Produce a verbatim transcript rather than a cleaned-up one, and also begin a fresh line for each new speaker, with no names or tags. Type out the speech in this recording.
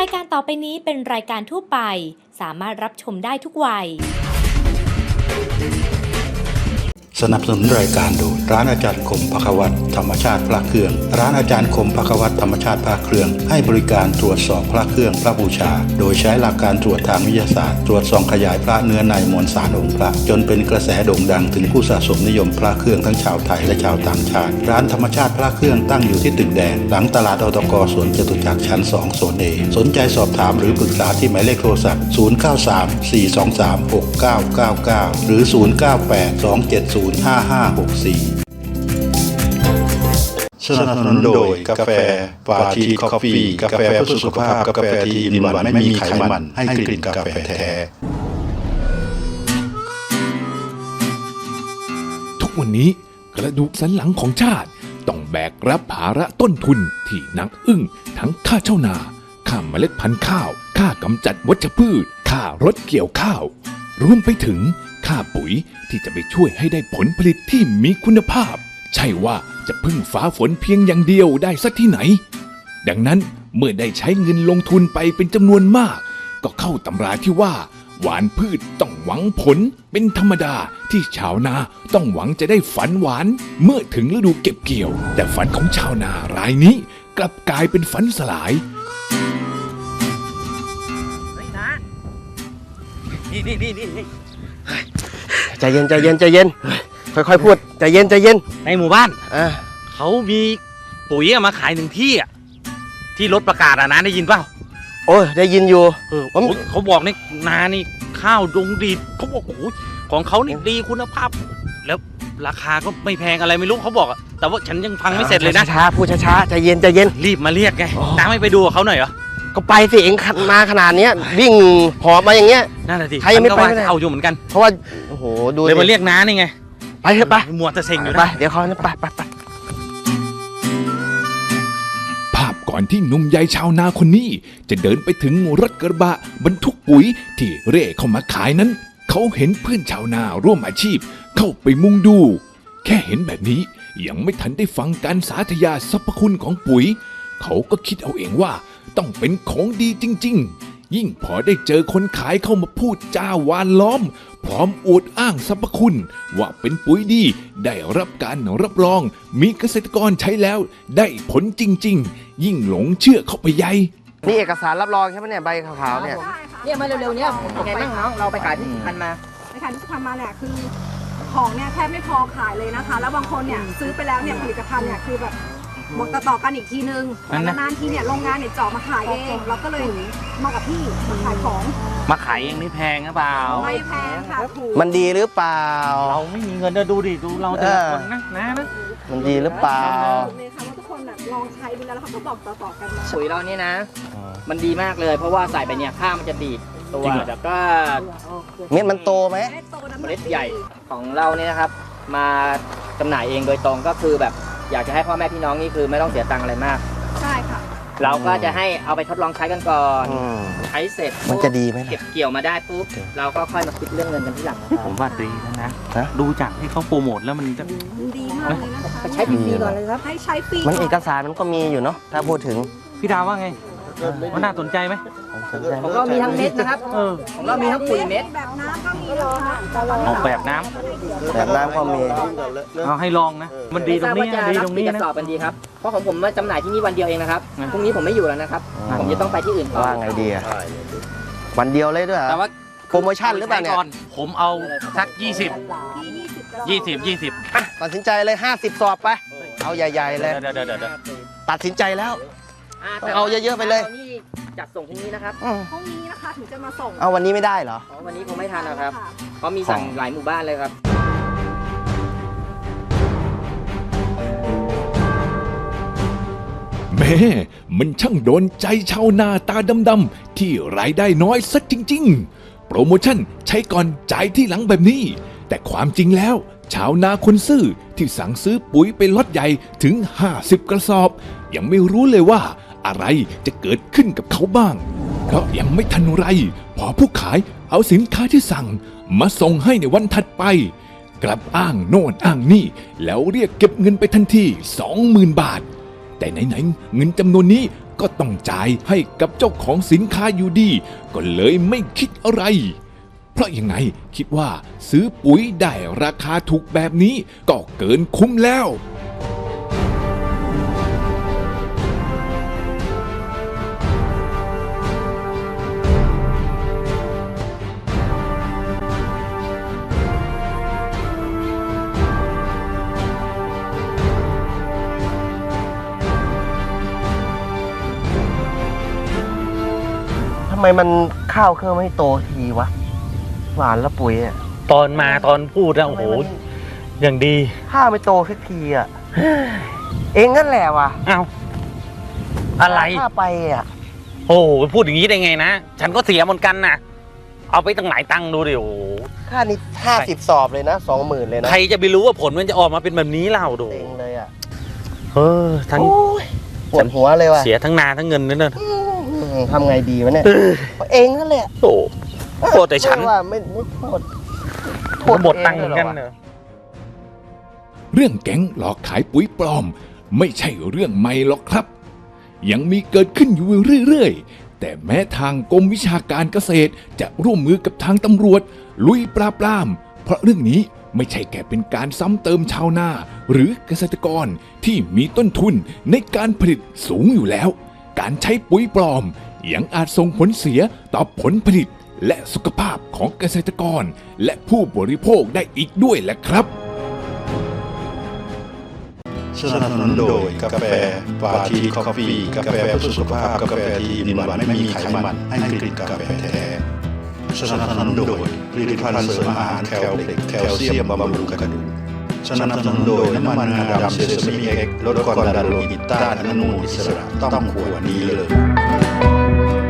ายการต่อไปนี้เป็นรายการทั่วไปสามารถรับชมได้ทุกวัย
สนับสนุนรายการโดยร้านอาจารย์คมภควัตรธรรมชาติพระเครื่องร้านอาจารย์คมภควัตรธรรมชาติพระเครื่องให้บริการตรวจสอบพระเครื่องพระบูชาโดยใช้หลักการตรวจทางวิทยาศาสตร์ตรวจส่องขยายพระเนื้อในมวลสารองค์พระจนเป็นกระแสโด่งดังถึงผู้สะสมนิยมพระเครื่องทั้งชาวไทยและชาวต่างชาติร้านธรรมชาติพระเครื่องตั้งอยู่ที่ตึกแดงหลังตลาดอตกสวนจตุจักรชั้นสองโซนเอสนใจสอบถามหรือปรึกษาที่หมายเลขโทรศัพท์ศูนย์ เก้า สาม สี่ สอง สาม หก เก้า เก้า เก้าหรือศูนย์ เก้า แปด สอง เจ็ด ศูนย์ ห้า ห้า หก สี่สนับสนุนโดยกาแฟปาทีคอฟฟี่กาแฟเพื่อสุขภาพกาแฟที่อินวันไม่มีไขมันให้กลิ่นกาแฟแท้
ทุกวันนี้กระดูกสันหลังของชาติต้องแบกรับภาระต้นทุนที่หนักอึ้งทั้งค่าเช่านาค่าเมล็ดพันธุ์ข้าวค่ากำจัดวัชพืชค่ารถเกี่ยวข้าวรวมไปถึงค่าปุ๋ยที่จะไปช่วยให้ได้ผลผลิตที่มีคุณภาพใช่ว่าจะพึ่งฟ้าฝนเพียงอย่างเดียวได้สักที่ไหนดังนั้นเมื่อได้ใช้เงินลงทุนไปเป็นจำนวนมากก็เข้าตำราที่ว่าหวานพืชต้องหวังผลเป็นธรรมดาที่ชาวนาต้องหวังจะได้ฝันหวานเมื่อถึงฤดูเก็บเกี่ยวแต่ฝันของชาวนารายนี้กลับกลายเป็นฝันสลาย
เฮ้ยนะนี่นี่นี่นี่
ใจเย็นใจเย็นใจเย็นค่อยๆพูดใจเย็นใจเย็น
ในหมู่บ้าน
อ่า
เขามีปุ๋ยมาขายหนึ่งที่อ่ะที่รถประกาศอ่ะนะได้ยินเปล่า
โอ้ยได้ยินอยู่
เออเขาบอกในนานี่ข้าวดงดีเขาบอกโอ้โหของเขานี่ดีคุณภาพแล้วราคาก็ไม่แพงอะไรไม่รู้เขาบอกแต่ว่าฉันยังฟังไม่เสร็จเลยนะ
ช้าๆพูดช้าๆใจเย็นใจเย็น
รีบมาเรียกไงน้าไม่ไปดูกับเขาหน่อยเหรอ
ก็ไปสิเองขันมาขนาดนี้วิ่งหอบมาอย่างเงี้ย
นั่นแหละสิ
ใครยังไม่ไป
เอาอยู่เหมือนกัน
เพราะว่าโอ้โหดู
เลยมาเรียกน้านี่ไง
ไปเถอะไป
มัวแต่เซ็งอยู่
ไปเดี๋ยวเขาไปไปไป
ภาพก่อนที่หนุ่มใหญ่ชาวนาคนนี้จะเดินไปถึงรถกระบะบรรทุกปุ๋ยที่เร่เข้ามาขายนั้นเขาเห็นเพื่อนชาวนาร่วมอาชีพเข้าไปมุงดูแค่เห็นแบบนี้ยังไม่ทันได้ฟังการสาธยายสรรพคุณของปุ๋ยเขาก็คิดเอาเองว่าต้องเป็นของดีจริงๆยิ่งพอได้เจอคนขายเข้ามาพูดจาหวานล้อมพร้อมอวดอ้างสรรพคุณว่าเป็นปุ๋ยดีได้รับการรับรองมีเกษตรกรใช้แล้วได้ผลจริงๆยิ่งหลงเชื่อเข้าไปใหญ่
นี่เอกสารรับรองใช่ไหมเนี่ยใบขาวๆเนี่ย
เนี่ยมาเร็วๆเนี่ยยังไงบ้างน้องเราไปขายที่สุพรรณมา
ไปขายที่สุพรรณมาเนี่ยคือของเนี่ยแทบไม่พอขายเลยนะคะแล้วบางคนเนี่ยซื้อไปแล้วเนี่ยผลิตภัณฑ์เนี่ยคือแบบบอกต่อๆกันอีกทีนึงแต่นานๆทีเนี่ยโรงงานเนี่ยเจาะมาขายเองเราก็เลยมากับพี่มาขายของ
มาขายเองนี่แพงหรือเปล่า
ไม่แพงค่ะถูก
มันดีหรือเปล่า
เราไม่มีเงินจะดูดิดูเราแต่ละคนนะนะนะ
มันดีหรือเปล่า
เลยค่ะว่าทุกคนแบบลองใช้ดูแล้วเขาก็บอกต่อๆกันมา
ปุ๋ยเรานี่นะมันดีมากเลยเพราะว่าใส่ไปเนี่ยข้าวมันจะดีดตัวแล้วก็
เม็ดมันโตไหม
เมล็ดใหญ่ของเราเนี่ยนะครับมาจำหน่ายเองโดยตรงก็คือแบบอยากจะให้พ่อแม่พี่น้องนี่คือไม่ต้องเสียตังค์อะไรมาก
ใช่ค่ะ
เราก็จะให้เอาไปทดลองใช้กันก่อนใช้เสร็จ
มันจะดีไหม
เก็บเกี่ยวมาได้ปุ๊บเราก็ค่อยมาคิดเรื่องเงินกันที่หลัง
ผมว่าดีนะนะดูจากที่เขาโปรโมทแล้วมันจะ
ดีมากเลยนะคะ
ใช้ฟรีก่อนเลยครับ
ให้ใช้ฟรี
มันเอกสารมันก็มีอยู่เนาะถ้าพูดถึง
พี่ดาวว่าไงมันน่าสนใจไหม
ของเรามีทั้งเม็ดนะครับของเรามีทั้งปุ๋ยเม็ด
แบบน้ำก็มีเหรอ
ออกแบบน้
ำแบบน้ำก็มี
เอาให้ลองนะมันดีตรงนี้ดีตรงนี้
นะสอบกันดีครับเพราะของผมมาจำหน่ายที่นี่วันเดียวเองนะครับพรุ่งนี้ผมไม่อยู่แล้วนะครับผมจะต้องไปที่อื่นต่อ
ว่าไงดีอะวันเดียวเลยด้วย
แต่ว่า
โปรโมชั่นหรือเปล่าเนี่ย
ผมเอาสักยี่สิบยี่สิบยี่สิบ
ตัดสินใจเลยห้าสิบสอบไปเอาใหญ่ๆเลยตัดสินใจแล้วเอาเยอะๆไปเลย
จัดส่งพรุ่งนี้นะครับ
พรุ่งนี้นะคะถึงจะมาส่ง
เอาวันนี้ไม่ได้เหรอ
วันนี้คงไม่ทันนะครับเพราะมีสั่งหลายหมู่บ้านเลยครับ
แม่มันช่างโดนใจชาวนาตาดำๆที่รายได้น้อยสักจริงๆโปรโมชั่นใช้ก่อนจ่ายที่หลังแบบนี้แต่ความจริงแล้วชาวนาคนซื่อที่สั่งซื้อปุ๋ยเป็นล็อตใหญ่ถึงห้าสิบกระสอบยังไม่รู้เลยว่าอะไรจะเกิดขึ้นกับเขาบ้างเพราะยังไม่ทันไรพอผู้ขายเอาสินค้าที่สั่งมาส่งให้ในวันถัดไปกลับอ้างโน่นอ้างนี่แล้วเรียกเก็บเงินไปทันที สองหมื่น บาทแต่ไหนๆเงินจำนวนนี้ก็ต้องจ่ายให้กับเจ้าของสินค้าอยู่ดีก็เลยไม่คิดอะไร เพราะยังไงคิดว่าซื้อปุ๋ยได้ราคาถูกแบบนี้ก็เกินคุ้มแล้ว
ทำไมมันข้าวเครื่องไม่โตทีวะ หวานแล้วปุ๋ยอ่ะ
ตอนมาตอนพูดนะโอ้โหอย่างดี
ข้าวไม่โตสักทีอ่ะ เองนั่นแหละวะ
อ้าวอะไร
ข้าไปอ่ะ
โอ้โหพูดอย่างนี้ได้ไงนะ ฉันก็เสียเหมือนกันนะเอาไปตั้งหลายตังค์ดูดิโอ้โห
ค่านี้ห้าสิบสอบเลยนะสองหมื่นเลยนะ
ใครจะไปรู้ว่าผลมันจะออกมาเป็นแบบนี้เล่าดู
เองเลยอ่ะ
เออทั้ง
โอ้ยปวดหัวเลยว่ะ
เสียทั้งนาทั้งเงินนั่นน่ะ
อืมทำไงดีวะเนี่ยเองนั่นแหละ
โอ้โทษแต่ฉัน
ไม่ว่าไม่ไม่โทษโทษ
หมดตังค์เหมือนกัน
เอง
เน
เลยเหรอวะ
อะ
เรื่องแก๊งหลอกขายปุ๋ยปลอม ไม่ใช่เรื่องใหม่หรอกครับ ยังมีเกิดขึ้นอยู่เรื่อยๆ แต่แม้ทางกรมวิชาการเกษตรจะร่วมมือกับทางตำรวจ ลุยปราบปราม เพราะเรื่องนี้ไม่ใช่แค่เป็นการซ้ำเติมชาวนา หรือเกษตรกรที่มีต้นทุนในการผลิตสูงอยู่แล้ว การใช้ปุ๋ยปลอมยังอาจส่งผลเสียต่อผลผลิตและสุขภาพของเกษตรกร และผู้บริโภคได้อีกด้วยแหละครับ
สนับสนุนโดยกาแฟปาทีคอฟฟี่กาแฟเพื่อสุขภาพกาแฟที่อิ่มหวานไม่มีไขมันให้กลิ่นกาแฟแท้สนับสนุนโดยผลิตภัณฑ์เสริมอาหารแคลเล็กแคลเซียมบำรุงกระดูกสนับสนุนโดยน้ำมันงาดำเซซามิเอ็กซ์ลดความดันโลหิตต้านอนุมูลอิสระต้องขวดนี้เลย